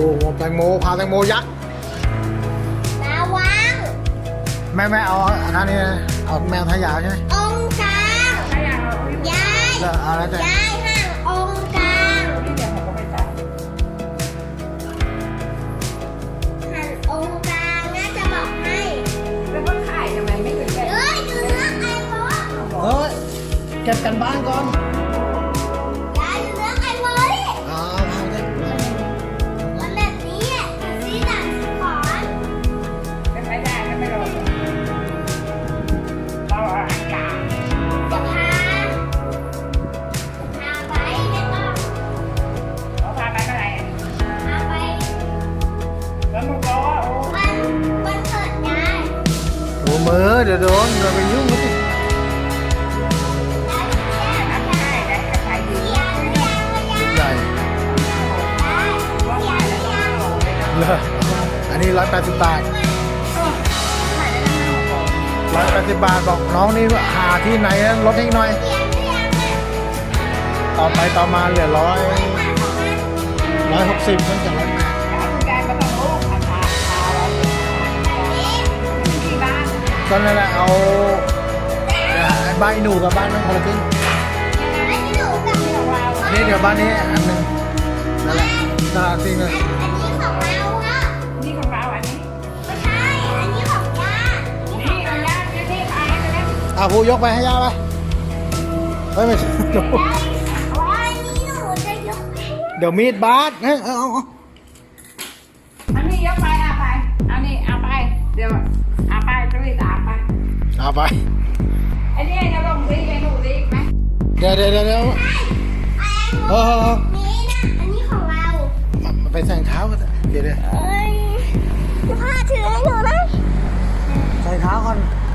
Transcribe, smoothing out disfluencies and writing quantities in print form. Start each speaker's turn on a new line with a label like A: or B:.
A: หัวแตงโมพาแตงโมยักษ์
B: ระวัง
A: แม่เอาอันนี้เอาแมวทายาวใช่ไหม
B: องค์กลางย้าย
A: เอาแล้วแต่
B: ย้ายห่างองค์กลางหันองค์กลางน่าจะบอกให้
C: แล้วก็ขายทำไมไม่ถึงแค่
B: ดูเนื้อไอ้บอส
A: เฮ้ยเก็บกันบ้านก่อน
B: ย้ายดูเนื้อไอ้บอสดิ
A: เอาเลย
B: มันแบบนี้สีดำขอน
C: ไม่ได้ไม่ลงเราอันกลาง
B: จะพาไปไม่ต้อง
C: เขาพาไปเมื่อไหร่
B: พาไป
C: แล้วมึงบอกว่าโอ้
B: มันเปิดได้
A: โอ้มือเดี๋ยวโดนเราไปยุ่งกันสิใหญ่เลยอันนี้180 บาท180 บาทบอกน้องนี่หาที่ไหนลดให้หน่อยต่อไปต่อมาเหลือ160นั่นจาก180ก็นั่นแหละเอาบ้านหนูกับบ้านน้องคนละครึ่งนี่เดี๋ยวบ้านนี้อันหนึ่งนั่นแหละตลาดจริงเลย
B: อันนี้ของเราอะ
C: นี่ของเราอันนี้
B: ไม่ใช่อันนี้ของย่า
C: นี่ของย่านี่ขายไปแล้ว
A: ผู้ยกไปให้ย่าไปเฮ้ยไม่ใช่
B: อันนี้หนูจะยกให้
A: เดี๋ยวมีดบาดเอา
C: อันนี้ยกไปเอาไปเอานี่เอาไปเดี๋ยวเอาไปตุ้ยตามไป
A: เอาไป
C: ไอ้นี่จะลงดีไอ้หนูดีไหม
A: เดี๋ยว
B: ไอ้หนู
A: นี่นะ
B: อันนี้ของเรา
A: ไปใส่เท้ากันเดี๋ยว
B: เอ้ยพ่อถือให้หนูนะ
A: ใส่เท้าก่อน